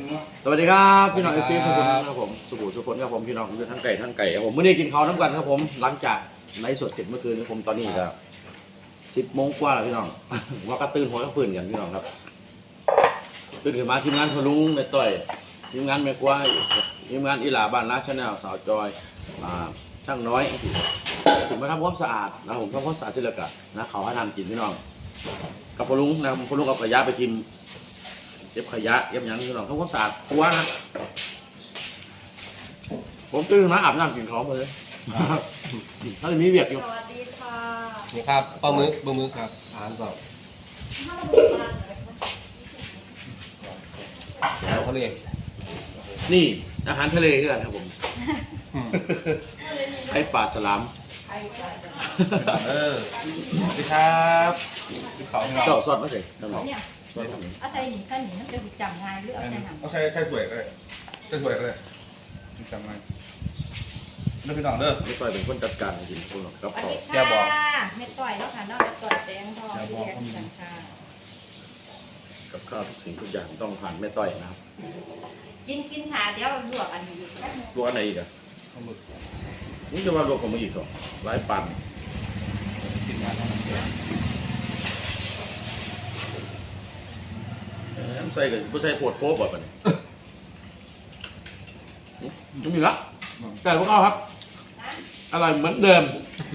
สวัสดีครับพี่น้องเอฟซีสุขุมครับผมสุขุมครับผมพี่น้องอยู่ทั้งไก่ครับผมเมื่อนี้กินข้าวน้ำกันครับผมหลังจากไลฟ์สดเสร็จเมื่อคืนนี้ผมตอนนี้ก็10 โมงกว่าแล้วพี่น้อง ว่ากระตื่นหัวกระฝืนกันพี่น้องครับตื่นขึ้นมาทีมงานพลุงในต่อยทีมงานแม่กวายทีมงานอีหลาบ้านนาชาแนลสาวจอยช่างน้อยถึงมาทำความสะอาดนะผมทำความสะอาดเสร็จแล้วก็นะเขาให้ทำกินพี่น้องกับพลุงนะพลุงเอาขยะไปทิมเก็บขยะเก็บหยังพี่น้องทำความสะอาดครัวนะผมตื่นมาอาบน้ำกินข้าวเลยถ้าจะมีเวียกอยู่สวัสดีค่ะนี่ครับปลาหมึกครับอาหารสดแล้วเขาเรียกนี่อาหารทะเลคือกันครับผมไข่ปลาฉลามไอ้จ้ะสวัสดีครับเขาของเราเจ้าซอสมาใส่น้ำหนองเนี่ยซอสของเอาใส่หนีใส่หนีมันจะจำง่ายหรือเอาใส่หนังเอาใช้สวยก็ได้ใช้สวยก็ได้จำไว้เด้อพี่น้องเด้อไม่ค่อยเป็นคนจัดการจริงๆคุณหรอกครับสวัสขอดีแกบอกค่ะเม็ดต่อยแล้วค่ะนอกจากต่อยแดงทองแกบอกเรียนกันค่ะกับข้าวทุกสิ่งทุกอย่างต้องผ่านแม่ต้อยนะครับกินหาเดี๋ยวลวกอันนี้ลวกอันไหนอีกอะปลาหมึกนี่จะว่าลวกของมึงอีกเหรอหลายปันกินงานเท่านั้นใส่กับผู้ใส่โพดโป๊บแบบนี้ไม่มีละใส่พวกเขาครับอร่อยเหมือนเดิม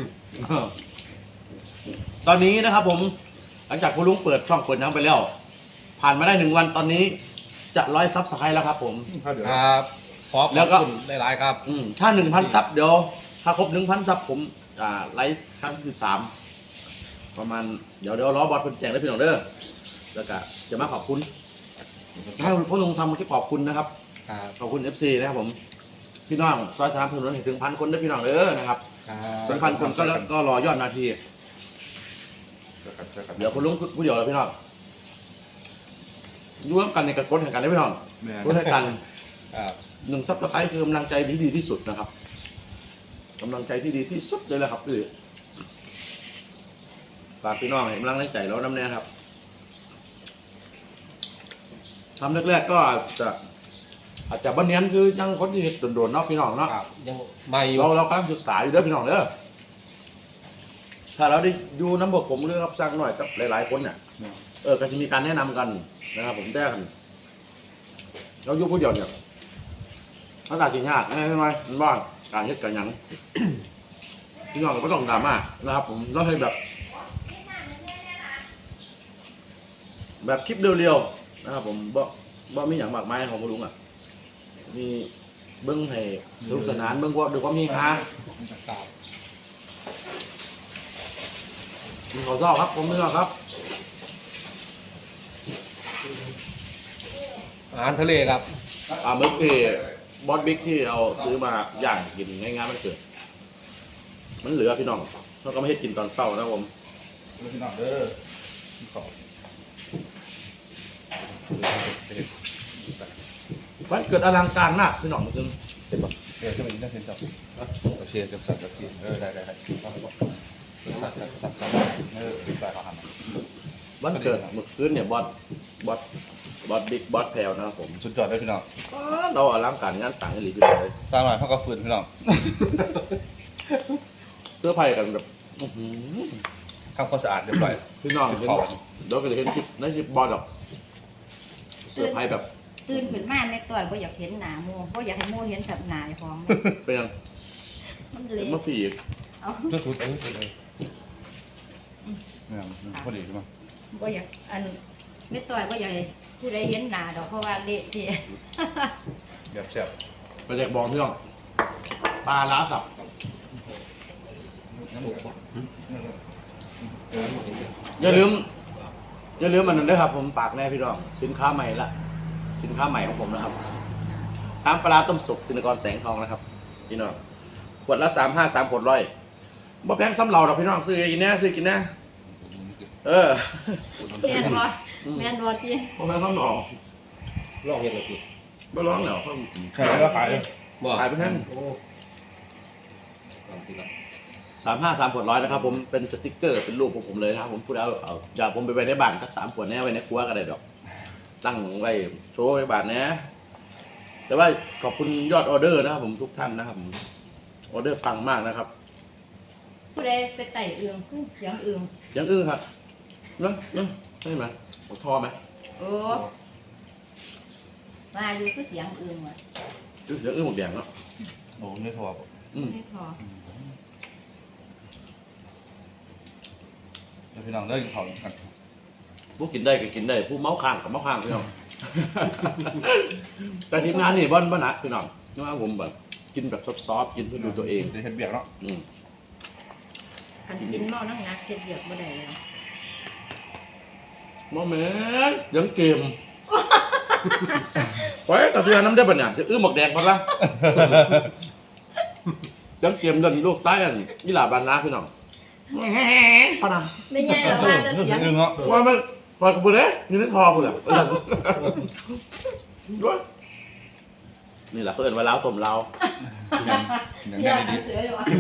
ตอนนี้นะครับผมหลังจากคุณลุงเปิดช่องเปิดน้ำไปแล้ว ผ่านมาได้1 วันตอนนี้จะ100 ซับสไครต์แล้วครับผมครับขอบแล้วก็คุณหลายๆครับถ้า 1,000 ซับเดี๋ยวถ้าครบ 1,000 ซับผมไลฟ์ครั้งที่13ประมาณเดี๋ยวรอบอสคนแจ้งได้พี่น้องเด้อแล้วก็จะมาขอบคุณให้พ่อลุงทำคลิปขอบคุณนะครับครับขอบคุณ FC นะครับผมพี่น้องซอย3ถนนถึง1,000 คนได้พี่น้องเด้อนะครับครับ 1,000 คนก็รอยอดนาทีเดี๋ยวคุณลุงผู้เดียวเลยพี่น้องร่วมกันในกระกดแห่งกันได้พี่น้องกดแห่งกันครับ 1 ซับสไครต์คือกำลังใจที่ดีที่สุดนะครับกำลังใจที่ดีที่สุดเลยแหละครับพี่ฝากพี่น้องเห็นกำลังใจแล้วน้ำแน่ครับทำแรกๆก็อาจจะบันเนียนคือยังคนที่โดนๆเนาะพี่น้องเนาะครับยังไม่อยู่เรากำลังศึกษาอยู่เด้อพี่น้องเด้อถ้าเราได้ดูน้ำบกผมเรื่องรับสร้างหน่อยกับหลายๆคนเนี่ยก็จะมีการแนะนำกันนะครับผมได้กันเราอยู่ผู้เดียวเนี่ยถ้าตาจริงยากง่ายไหมมันว่าการเฮ็ดกันหยัง พี่น้องก็ต้องดราม่านะครับผมต้องให้แบบคลิปเร็วๆนะครับผมบ่มีอย่างมากมายของคุณลุงอ่ะมีเบิ้งให้สนุกสนานเบิ้งว่าดูความมีฮาครับมีข้าวเจ้าครับผมไม่ชอบครับอาหารทะเลครับเมื่อกี้บอสบิ๊กที่เอาซื้อมาย่างกินง่ายๆมันเกิดมันเหลือพี่น้องเราก็ไม่ให้กินตอนเช้านะผมพี่น้องเด้อขอบมันเกิดอลังการมากพี่น้องมันคือเห็นปะเดี๋ยวจะมีเรื่องเห็นจับโอเคจะสัตว์จะกินได้สัตว์ได้เขาทำวันเกิดเมื่อคืนเนี่ยบอสบิ๊กบอสแพลวนะครับผมสุดยอดเลยพี่น้องเราอลังการงานสั่งให้หลีพี่น้องเลยสร้างหน่อยเท่ากับฟืนพี่น้องเสื้อผ้ากันแบบอื้อหือทำความสะอาดเรียบร้อยพี่น้องเห็นเดี๋ยวก็จะเห็นคลิปในคลิปบอสหรอกเสื้อผ้าแบบตื่นขึ้นมาเม็ดต่อยบ่อยากเห็นหนาโมบ่อยากให้โมเห็นสับหนาของเป็นยังมันเป็เละนมะผีอีกเอาชุดเลยเนี่ยพอดีใช่ไหมบ่อยากอันเม็ดต่อยบ่อยากให้ผู้ใดเห็นหนาดอกเพราะว่าเละเทะแบบแซ่บไปเด็กบองพี่น้องปลาล้าสับ อย่าลืมมันนั้นด้วยครับผมปากแน่พี่น้องสินค้าใหม่ของผมนะครับน้ำปลาร้าต้มสุกธินกรแสงทองนะครับพี่น้องขวดละ353ขวดร้อยบ่แพงซ้ำเราดอกพี่น้องซื้อกินแน่เออแม่นบ่แม่นบ่ติบ่แพงซ้ำหนอลองเห็นเลยพี่บ่ร้องแล้วเขาขายแล้วขายขายไปแท่ง353ขวดร้อยนะครับผมเป็นสติ๊กเกอร์เป็นรูปของผมเลยนะครับผมพูดเอาอยากผมไปไว้ในบ้านสัก3 ขวดแน่ไว้ในครัวก็ได้ดอกตั้งไว้โชว์ในบ้านนะแต่ว่าขอบคุณยอดออเดอร์นะครับผมทุกท่านนะครับผมออเดอร์ปังมากนะครับผู้ใดไปไต่เอืองเสียงเอืองยังอึ้งครับเนาะใช่ไหมผมทอไหมโอ้มาอยู่คือเสียงเอืองว่ะอึ้งเสียงอึ้งหมดแดงเนาะโอ้เนื้อถั่วไม่พอเดี๋ยวพี่น้องเลิกกินข้าวกันผู้กินได้ก็กินได้ผู้เมาข้างกับเมาข้างพี่น้อง แต่ทีมงานนี่บ้านหนักพี่น้องนะผมแบบกินแบบซอฟๆกินเพื่อดูตัวเองเดี๋ยวเห็ดเบียกเนาะคันกินเมานั่งนักเจ็บเหยียบบ่ได้เลยมอแม่นยังเกมไว้กระเทือนน้ำได้ปะเนี่ยจะอื้อหมกแดงพอละยังเกมเดินลูกซ้ายกันยี่หลาบานนาพี่น้องพอนะไม่ใช่หรอกว่าจะเสียงอึ้งเนาะว่ามันพอกระปุกเด้นี่นั่นทอคุณอ่ะด้วยนี่แหละเขาเอิ้นว่าเล้าต้มเล้าอย่างเสียนี้งดีเสืออยู่อ่ะ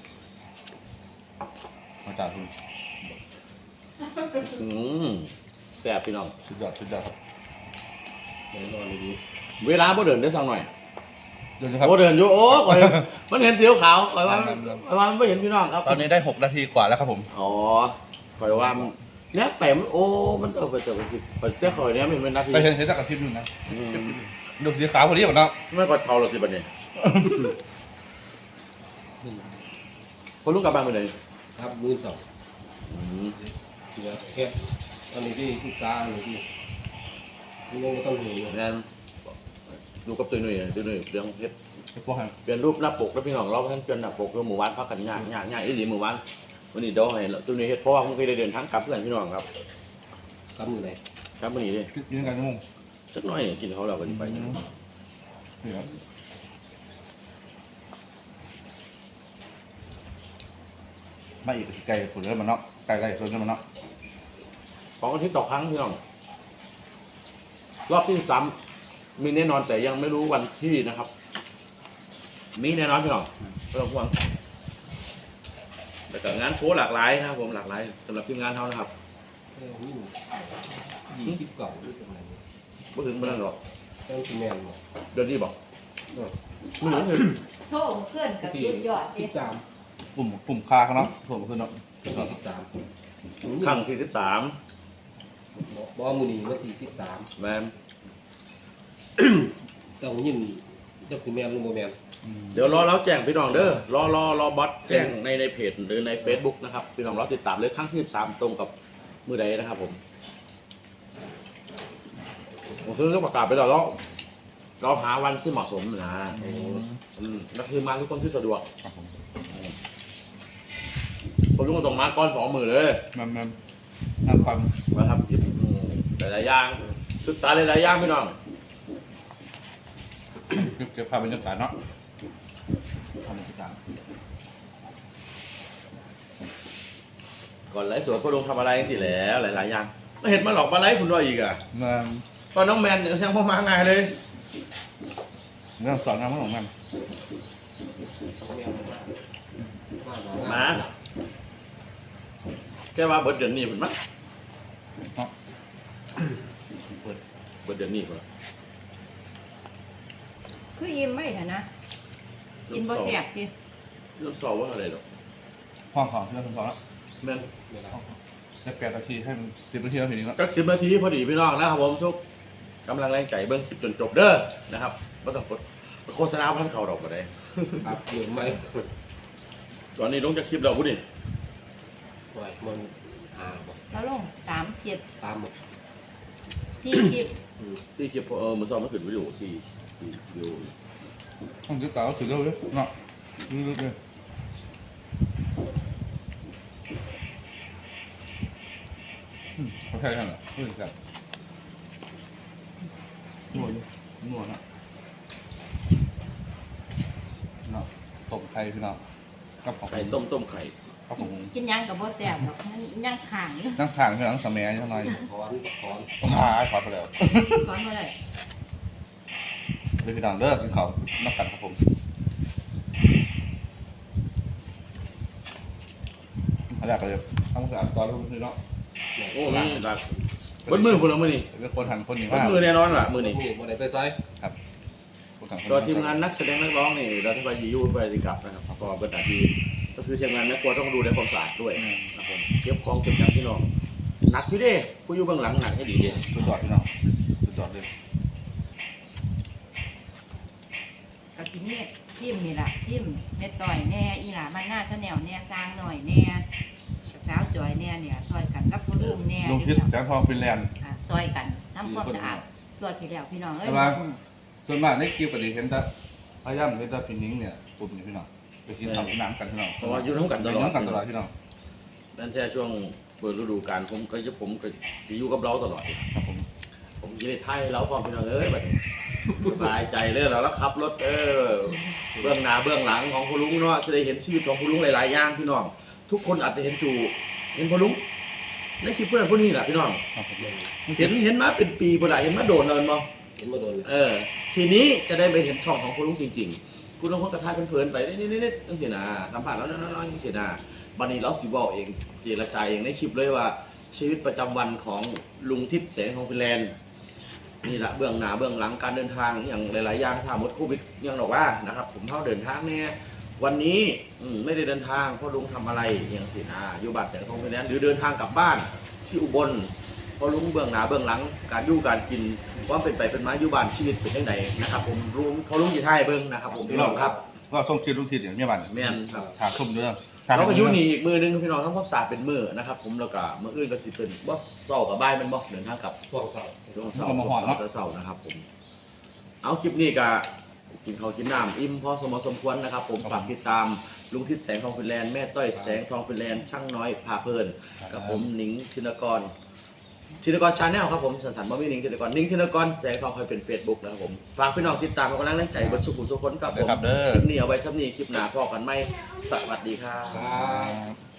มาจากคุณแซ่บพี่น้องสุดยอดครับแน่นอนเลยดีเวลาบ่เดินได้สักหน่อยเดี๋ยวนะครับบ่เดินอยู่โอ้ข่อยมันเห็นสีขาวข่อยว่ามันไม่เห็นพี่น้องครับตอนนี้ได้6 นาทีกว่าแล้วครับผมอ๋อข่อยว่าเนี่ยแปมโอ้มันไปเจอกันข่อยแต่ข่อยเนี่ยมันเป็นนาทีไปเห็นจากกระพริบนึงนะดูสีขาวพอดีหมดเนาะไม่กดเท่าหรอกสิบัดนี้คนลูกกลับบ้านไปไหนครับมือสองเหลือแค่ตอนนี้ที่ศึกษาอันนี้ที่ยังไม่ต้องเหนื่อยงานดูกับตัวหนุ่ยเรื่องเฮ็ดพวกแฮมเปลี่ยนรูปหน้าปกแล้วพี่น้องเราเพิ่นเปลี่ยนหน้าปกแล้วหมู่บ้านพักกันยากอีหลีหมู่บ้านวันนี้เดี๋ยวให้ตัวนี้เฮ็ดเพราะว่าผมเคยได้เดินทางกลับเพื่อนพี่น้องครับกำมือไหนครับวันนี้ดิกินกันชั่วโมงสักหน่อยเนี่ยกินเขาเราก็สิไปนี่ครับมาอีกไก่ผุดเริ่มมันเนาะไก่ส่วนเริ่มมันเนาะ 2 อาทิตย์ต่อครั้งพี่น้องรอบที่3มีแน่นอนแต่ยังไม่รู้วันที่นะครับ มีแน่นอนพี่น้องไม่ต้องห่วงแต่ก็งานโชว์หลากหลายนะครับผมหลากหลายสำหรับทีมงานเขานะครับ 20 ก่อนหรือประมาณนี้ไม่ถึงไม่นั่นหรอกต้องกินแมนหมดเดือนนี้บอกไม่ถึงโชว์เพื่อนกับชุดยอดสิ 13 ปุ่มคาเขาเนาะส่วนขึ้นเนาะ 13 ครั้งที่13 บ่มือนี้วันที่13 แมนต้องยินจักสิแมนหรือบ่แมนเดี๋ยวรอแล้วแจ้งพี่น้องเด้อรอบอสแจ้งในเพจหรือใน Facebook นะครับพี่น้องรอติดตามเลยครั้งที่13ตรงกับมือใดนะครับผมคือก็ประกาศไปแล้วเราหาวันที่เหมาะสมนะนั่นคือมาทุกคนที่สะดวกครับผมผมต้องตรงมาก้อน2 มือเลยมันน้ำความนะครับหลายๆอย่างศึกษาหลายๆอย่างพี่น้องเก็บภาพบรรยากาศเนาะทำบรรยากาศก่อนไลฟ์สดพ่อลงทำอะไรสิแล้วหลายๆอย่างไม่เห็นมาหลอกมาไลฟ์คุณด้วยอีกอ่ะเงินตอนน้องแมนเนี่ยยังพ่อมาไงเลยเรื่องสอนงานของมันมาแค่ว่าเบิร์ดเดือนนี้ผมมั้งเนาะเบิร์ดเดือนนี้ผมคือยิ้มไม่เห็นนะกินบ่แซ่บดิเริ่มสอบว่าอะไรหรอกห้องของเรื่องของแล้วแมนจะ8 นาทีให้มัน10 นาทีแล้วทีนี้เนาะก็10 นาทีพอดีพี่น้องนะครับผมทุกกำลังแรงใจเบิ้งคลิปจนจบเด้อนะครับไม่ต้องกดโฆษณาพันเข่าดอกมาได้ครับเหนื่อยไหมตอนนี้ลงจากคลิปเราพูดดิปล่อยมันบ่แล้วลง3เจ็บ 3บ่ 4คลิปที่คลิปมือซ้อมเมื่อคืนวิดีโอ4วิดีโอห้องที่ต่อก็ถือเร็วเลยเนาะลึกๆเลยเขาใช่กันเหรอเฮ้ยกันนวดเนาะเนาะต้มไข่พี่น้องกับของไข่ต้มไข่กับของกินหยังกับบ่แซ่บหรอกยังข้างอยู่นั่งทางพี่น้องสมัยยังไงถอนขอไปแล้วขอนบ่ได้เดี๋ยวพี่น้องเลิกกินข้าวนักกันครับผมเขาอยากเลยทำสะอาดตอนรู้พี่น้องโอ้มีหลักบนมือพวกเรามือนี่เป็นคนหันคนหนึ่งบนมากมือแน่นอนล่ะมือนี่บ่ได้ไปไสครับตัวทีมงานนักแสดงนักร้องนี่เราที่ไปยูไปดีกับนะครับก็เป็นหน้าที่ก็คือทีมงานแม่ครัวต้องดูแลความสะอาดด้วยนะครับผมเก็บของเก็บจังพี่น้องหนักอยู่เด้ผู้อยู่เบื้องหลังหนักให้ดีเด้สุดยอดพี่น้องสุดยอดเลยกับทีนี้ทิมนี่ล่ะทิมเม็ดต่อยแน่อีหลามันหน้าชาแนลแน่สร้างหน่อยแน่สาวจอยแน่เนี่ยซอยกันกับผู้ลุงแน่ลุงคิดแสงทองฟินแลนด์ซอยกันทำความสะอาดชั่วทีแล้วพี่น้องเอ้ยส่วนมากในคลิปก็ได้เห็นแต่พยายามเห็นแต่พี่นิ้งเนี่ยปุ่มนี่พี่น้องไปกินข้าวกินน้ำกันพี่น้องเพราะว่าอยู่ทั้งกันตลอดน้ำกันตลอดพี่น้องนั่นแค่ช่วงเปิดฤดูกาลผมก็อยู่กับเราตลอดครับผมผมยินดีไทยเราพร้อมพี่น้องเอ้ยแบบนี้สบายใจเลยเราแล้วขับรถเบื้องหน้าเบื้องหลังของคุณลุงเนาะจะได้เห็นชีวิตของคุณลุงหลายๆอย่างพี่น้องทุกคนอาจจะเห็นคุณลุงในคลิปเพื่อนพวกนี้แหละพี่น้องครับผมเห็นมาเป็นปีบ่ได้เห็นมาโดนเลยมั้งเห็นมาโดนเลยทีนี้จะได้ไปเห็นช่องของคุณลุงจริงๆคุณลุงคนกระทายเพลินๆไปนิดๆตั้งเสียนาสัมผัสแล้วน้อยๆตั้งเสียนาบันนี้เราสิบอกเองเจรจาเองในคลิปเลยว่าชีวิตประจำวันของลุงทิศแสงทองฟินแลนด์นี่แหละเบื้องหน้าเบื้องหลังการเดินทางอย่างหลายๆอย่างถ้าหมดโควิดยังบอกว่านะครับผมเข้าเดินทางเนี่ยวันนี้ไม่ได้เดินทางเพราะลุงทำอะไรอย่างสินาอยู่บ้านแสงทองฟินแลนด์หรือเดินทางกลับบ้านที่อุบลเพราะลุงเบื้องหน้าเบื้องหลังการอยู่การกินว่าเป็นไปเป็นมาอยู่บ้านชีวิตเป็นยังไงนะครับผมลุงพอลุงอยู่ไทยเบิ้งนะครับผมพี่น้องครับก็ส่งคลิปลุงทิศอย่างเมียบ้านแม่นครับถามทุ่มเรื่องเราก็อยู่นี่อีกมือนึงพี่น้องทำความสะอาดเป็นมือนะครับผมแล้วก็มืออื่นก็สิเป็นบ่เศร้ากับบ่ายมันบ่เดินทางกลับพวกสาวช่วงเสาร์เสาร์นะครับผม เอาคลิปนี้ก็กินข้าวกินน้ำอิ่มพอสมควรนะครับผมฝากติดตามลุงทิศแสงทองฟินแลนด์แม่ต้อยแสงทองฟินแลนด์ช่างน้อยพาเพลินกับผมหนิงธินกรชาแนลครับผมสันสันบ่มีหนิงธินกรแสงทองคอยเป็น Facebook นะครับผมฝากพี่น้องติดตามกำลังแรงใจบนสุขุมสุขคนกับผมครับเด้อคลิปนี้เอาไว้ซ้ำนี้คลิปหน้าพอกันไหมสวัสดีครับครับ